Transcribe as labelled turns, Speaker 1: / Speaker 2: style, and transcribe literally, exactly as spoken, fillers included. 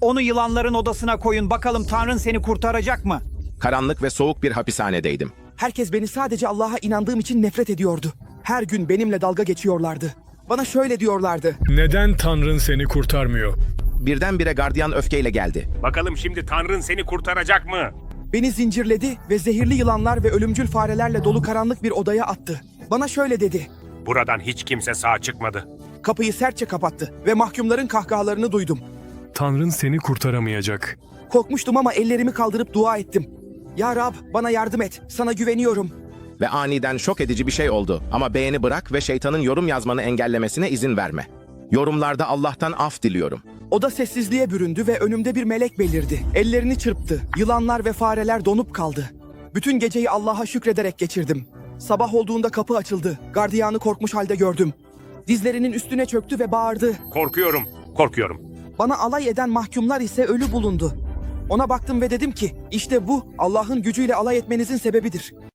Speaker 1: Onu yılanların odasına koyun, bakalım Tanrın seni kurtaracak mı?
Speaker 2: Karanlık ve soğuk bir hapishanedeydim.
Speaker 3: Herkes beni sadece Allah'a inandığım için nefret ediyordu. Her gün benimle dalga geçiyorlardı. Bana şöyle diyorlardı.
Speaker 4: Neden Tanrın seni kurtarmıyor?
Speaker 2: Birdenbire gardiyan öfkeyle geldi.
Speaker 5: Bakalım şimdi Tanrın seni kurtaracak mı?
Speaker 3: Beni zincirledi ve zehirli yılanlar ve ölümcül farelerle dolu karanlık bir odaya attı. Bana şöyle dedi.
Speaker 5: Buradan hiç kimse sağ çıkmadı.
Speaker 3: Kapıyı sertçe kapattı ve mahkumların kahkahalarını duydum.
Speaker 4: Tanrın seni kurtaramayacak.
Speaker 3: Korkmuştum ama ellerimi kaldırıp dua ettim. Ya Rab, bana yardım et. Sana güveniyorum.
Speaker 2: Ve aniden şok edici bir şey oldu. Ama beğeni bırak ve şeytanın yorum yazmanı engellemesine izin verme. Yorumlarda Allah'tan af diliyorum.
Speaker 3: Oda sessizliğe büründü ve önümde bir melek belirdi. Ellerini çırptı. Yılanlar ve fareler donup kaldı. Bütün geceyi Allah'a şükrederek geçirdim. Sabah olduğunda kapı açıldı. Gardiyanı korkmuş halde gördüm. Dizlerinin üstüne çöktü ve bağırdı.
Speaker 5: Korkuyorum, korkuyorum.
Speaker 3: Bana alay eden mahkumlar ise ölü bulundu. Ona baktım ve dedim ki, işte bu Allah'ın gücüyle alay etmenizin sebebidir.